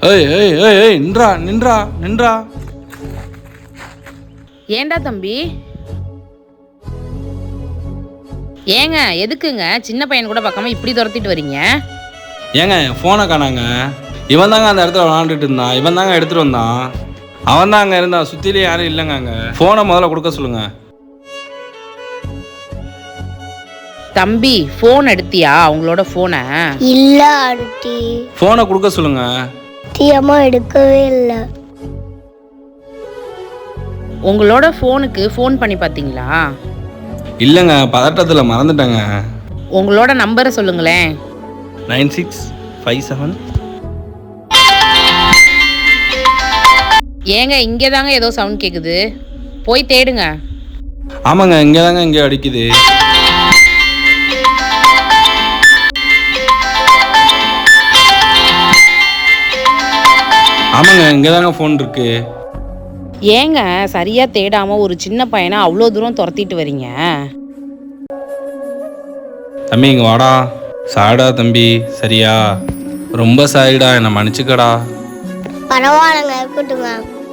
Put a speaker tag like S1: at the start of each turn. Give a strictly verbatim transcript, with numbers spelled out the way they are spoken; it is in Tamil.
S1: ஏய் ஏய் ஏய் ஏய் நின்றா நின்றா நின்றா.
S2: ஏண்டா தம்பி? ஏங்க எதுக்குங்க சின்ன பையன் கூட பார்க்காம இப்படி துரத்திட்டு வரீங்க?
S1: ஏங்க என் ஃபோனை காணாங்க. இவன் தாங்க அந்த இடத்துல விளாண்டுட்டு இருந்தான். இவன் தாங்க எடுத்துகிட்டு வந்தான். அவன் தான் அங்கே இருந்தான். சுற்றிலே யாரும் இல்லைங்க. அங்கே ஃபோனை முதல்ல கொடுக்க சொல்லுங்க.
S2: தம்பி ஃபோன் எடுத்தியா அவங்களோட ஃபோனை?
S3: இல்ல ஆண்டி.
S1: ஃபோனை கொடுக்க சொல்லுங்க.
S3: சத்தியமா எடுக்கவே இல்லை.
S2: உங்களோட ஃபோனுக்கு ஃபோன் பண்ணி பார்த்தீங்களா?
S1: இல்லைங்க, பதட்டத்தில் மறந்துட்டேங்க.
S2: உங்களோட நம்பரை சொல்லுங்களேன்.
S1: Nine six five seven.
S2: ஏங்க இங்கே தாங்க ஏதோ சவுண்ட் கேட்குது, போய் தேடுங்க.
S1: ஆமாங்க, இங்கே தாங்க இங்கே அடிக்குது. ஆமாங்க, இங்கே தாங்க ஃபோன் இருக்கு.
S2: ஏங்க சரியா தேடாம ஒரு சின்ன பையனை அவ்வளோ தூரம் துரத்திட்டு வரீங்க?
S1: தம்பி இங்கே வாடா. சாடா தம்பி, சரியா? ரொம்ப சாரிடா, என்னை மன்னிச்சுக்கடா.
S3: பரவாயில்லைங்க, இருக்கட்டுங்க.